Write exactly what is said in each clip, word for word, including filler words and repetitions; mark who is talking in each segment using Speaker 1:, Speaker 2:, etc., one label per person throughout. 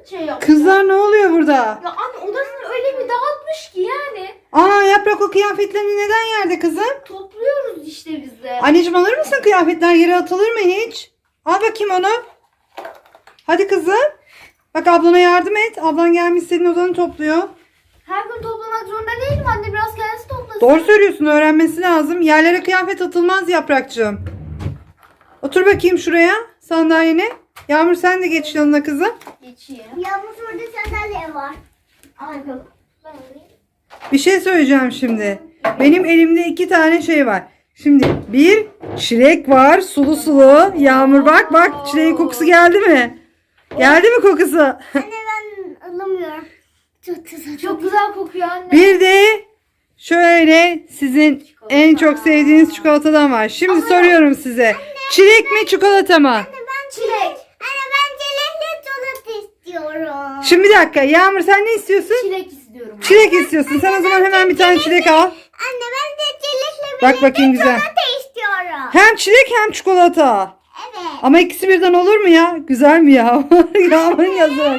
Speaker 1: şey yapacak.
Speaker 2: Kızlar ne oluyor burada?
Speaker 1: Ya anne odasını öyle bir dağıtmış ki yani.
Speaker 2: Aa Yaprak, o kıyafetlerini neden yerde kızım?
Speaker 1: Topluyoruz işte biz de.
Speaker 2: Anneciğim alır mısın, kıyafetler yere atılır mı hiç? Al bakayım onu. Hadi kızım. Bak ablana yardım et. Ablan gelmiş senin odanı topluyor.
Speaker 1: Her gün toplamak zorunda değilim anne. Biraz kendisi toplasın.
Speaker 2: Doğru söylüyorsun, öğrenmesi lazım. Yerlere kıyafet atılmaz Yaprakçığım. Otur bakayım şuraya sandalyene. Yağmur sen de geç yanına kızım.
Speaker 1: Geçeyim.
Speaker 3: Yalnız orada sandalye var.
Speaker 1: Al bakalım. Ben alayım.
Speaker 2: Bir şey söyleyeceğim şimdi. Benim elimde iki tane şey var. Şimdi bir çilek var, sulu sulu. Yağmur bak bak, çileğin kokusu geldi mi? Geldi mi kokusu?
Speaker 3: Anne ben alamıyorum. Çok güzel.
Speaker 1: Çok güzel kokuyor anne.
Speaker 2: Bir de şöyle sizin en çok sevdiğiniz çikolatadan var. Şimdi soruyorum size. Çilek mi çikolata mı?
Speaker 3: Anne ben çilek. Anne ben çilekli çikolata istiyorum.
Speaker 2: Şimdi bir dakika, Yağmur sen ne istiyorsun?
Speaker 1: Çilek istiyorum.
Speaker 2: Çilek istiyorsun. Sen o zaman hemen bir tane çilek al.
Speaker 3: Anne ben de çilekli
Speaker 2: Bak bakayım güzel.
Speaker 3: çikolata istiyorum.
Speaker 2: Hem çilek hem çikolata.
Speaker 3: Evet.
Speaker 2: Ama ikisi birden olur mu ya? Güzel mi ya? Yağmur'un yazık.
Speaker 3: Olmaz.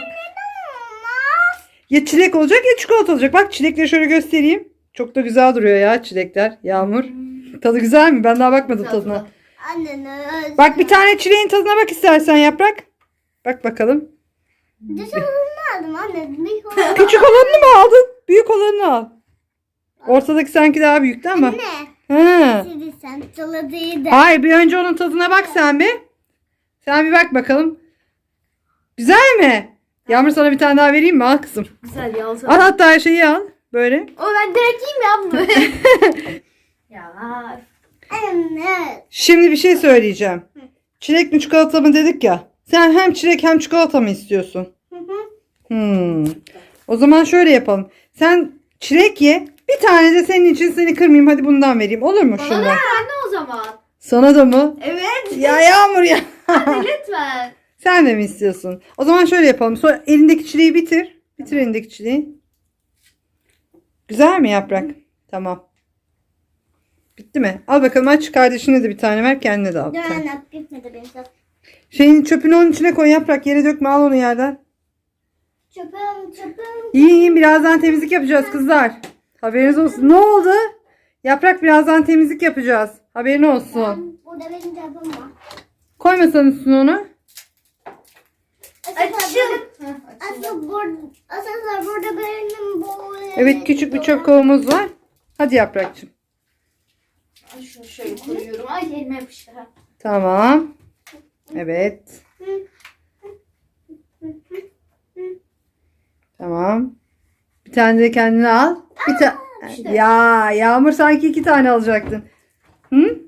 Speaker 2: Ya çilek olacak ya çikolata olacak. Bak çilekleri şöyle göstereyim. Çok da güzel duruyor ya çilekler. Yağmur. Tadı güzel mi? Ben daha bakmadım tadına.
Speaker 3: Anne ne?
Speaker 2: Bak bir tane çileğin tadına bak istersen Yaprak. Bak bakalım.
Speaker 3: Dışarı aldım anne. Bir kola.
Speaker 2: Küçük olanını mı aldın? Büyük olanını al. Ortadaki sanki daha büyüktü ama.
Speaker 3: Anne.
Speaker 2: Ha.
Speaker 3: Şimdi sen çikolatayı da.
Speaker 2: Hayır, bir önce onun tadına bak sen bir. Sen bir bak bakalım. Güzel mi? Yağmur sana bir tane daha vereyim mi? Al kızım.
Speaker 1: Güzel ya.
Speaker 2: Al hatta her şeyi al. Böyle.
Speaker 1: O ben direkt yiyeyim ya bunu. Ya.
Speaker 3: Anne.
Speaker 2: Şimdi bir şey söyleyeceğim. Çilek mi çikolata mı dedik ya. Sen hem çilek hem çikolata mı istiyorsun?
Speaker 3: Hı hı.
Speaker 2: Hmm. O zaman şöyle yapalım. Sen çilek ye. Bir tane de senin için, seni kırmayayım. Hadi bundan vereyim. Olur mu
Speaker 1: Bana da
Speaker 2: şundan?
Speaker 1: ver anne o zaman.
Speaker 2: Sana da mı?
Speaker 1: Evet.
Speaker 2: Ya Yağmur ya.
Speaker 1: Hadi lütfen.
Speaker 2: Sen de mi istiyorsun? O zaman şöyle yapalım. Sonra elindeki çileği bitir. Bitir elindeki çileği. Güzel mi Yaprak? Tamam. Bitti mi? Al bakalım, aç, kardeşine de bir tane ver, kendine de al. bir
Speaker 3: Dur
Speaker 2: tane.
Speaker 3: anne bitmedi benim çok.
Speaker 2: Şeyin çöpünü onun içine koy Yaprak. Yere dökme, al onu yerden.
Speaker 3: Çöpüm çöpüm.
Speaker 2: İyi iyi, birazdan temizlik yapacağız kızlar. Haberiniz olsun. Ne oldu? Yaprak, birazdan temizlik yapacağız. Haberin olsun.
Speaker 3: Burada benim çöpüm var.
Speaker 2: Koymasan üstüne onu.
Speaker 1: Açın.
Speaker 3: Asıl burada, asıl burada benim bu.
Speaker 2: Evet, küçük bir çöp kovamız var. Hadi Yaprakçığım.
Speaker 1: Şunu şöyle koyuyorum. Ay elime yapıştı. Ha.
Speaker 2: Tamam. Evet. Tamam. Bir tane de kendine al. Bir ta Ya Yağmur, sanki iki tane alacaktın. Hı?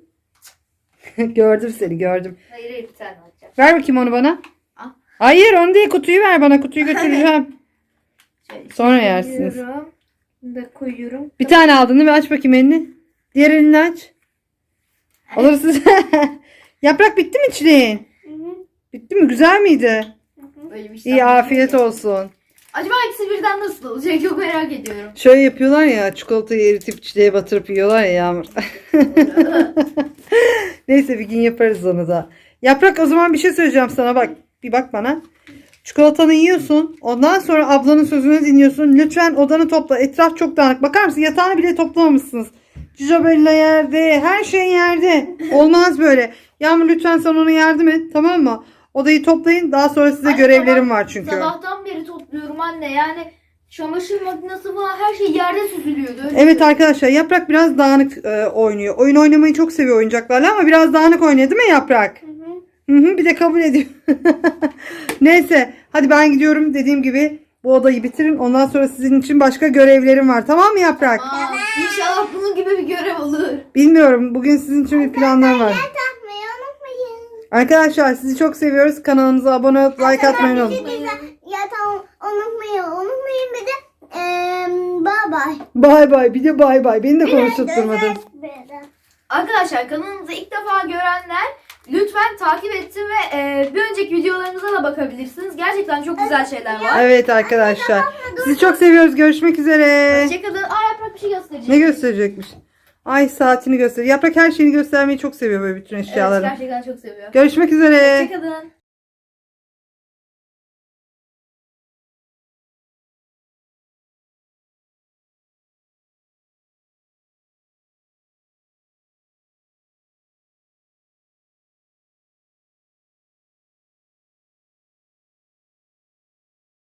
Speaker 2: Gördüm seni, gördüm.
Speaker 1: Hayır hayır bir tane alacağım.
Speaker 2: Ver bakayım onu bana.
Speaker 1: Al.
Speaker 2: Hayır, onu değil, kutuyu ver bana. Kutuyu götüreceğim.
Speaker 1: Şöyle
Speaker 2: Sonra yersiniz.
Speaker 1: koyuyorum. Bunu da koyuyorum.
Speaker 2: Bir tane aldın değil mi? Aç bakayım elini. Diğer elini aç. Alırsın. Yaprak, bitti mi çileğin? Bitti mi? Güzel miydi?
Speaker 1: Böyle bir şey
Speaker 2: İyi,
Speaker 1: yapmayacağım
Speaker 2: afiyet
Speaker 1: ki.
Speaker 2: olsun.
Speaker 1: Acaba ikisi birden nasıl olacak? Çok merak ediyorum.
Speaker 2: Şöyle yapıyorlar ya, çikolatayı eritip çileğe batırıp yiyorlar ya Yağmur. Neyse, bir gün yaparız onu da. Yaprak, o zaman bir şey söyleyeceğim sana, bak. Bir bak bana. Çikolatanı yiyorsun. Ondan sonra ablanın sözünü dinliyorsun. Lütfen odanı topla. Etraf çok dağınık. Bakar mısın? Yatağını bile toplamamışsınız. Cicabella yerde. Her şey yerde. Olmaz böyle. Yağmur, lütfen sen ona yardım et. Tamam mı? Odayı toplayın. Daha sonra size
Speaker 1: Anne,
Speaker 2: görevlerim
Speaker 1: sabah-
Speaker 2: var çünkü.
Speaker 1: Sabahtan beri topluyorum anne. Yani çamaşır makinesi falan her şey yerde süzülüyordu. Öyle
Speaker 2: Evet
Speaker 1: söyleyeyim.
Speaker 2: arkadaşlar, Yaprak biraz dağınık e, oynuyor. Oyun oynamayı çok seviyor oyuncaklarla ama biraz dağınık oynuyor değil mi Yaprak? Hı hı, bir de kabul ediyor. Neyse, hadi ben gidiyorum, dediğim gibi bu odayı bitirin. Ondan sonra sizin için başka görevlerim var. Tamam mı Yaprak?
Speaker 1: Aa, İnşallah bunun gibi bir görev olur.
Speaker 2: Bilmiyorum. Bugün sizin için bir planlar var.
Speaker 3: Takmayı unutmayın.
Speaker 2: Arkadaşlar, sizi çok seviyoruz. Kanalımıza abone olup like atmayı
Speaker 3: Bir
Speaker 2: unutmayın.
Speaker 3: şey diyeceğim. Ya tamam unutmayın. Unutmayın bir de eee bye bye.
Speaker 2: Bay bay. Bir de bay bay. Beni de konuşturmadın.
Speaker 1: Arkadaşlar, kanalımızı ilk defa görenler lütfen takip etsin ve e, bir önceki videolarımıza da bakabilirsiniz. Gerçekten çok güzel şeyler var.
Speaker 2: Evet arkadaşlar. Sizi çok seviyoruz. Görüşmek üzere.
Speaker 1: Hoşçakalın. Aa, Yaprak bir şey gösterecek.
Speaker 2: Ne gösterecekmiş? Ay, saatini göster. Yaprak her şeyini göstermeyi çok seviyor, böyle bütün
Speaker 1: Evet,
Speaker 2: eşyaları.
Speaker 1: gerçekten çok seviyor.
Speaker 2: Görüşmek üzere.
Speaker 1: Hoşçakalın.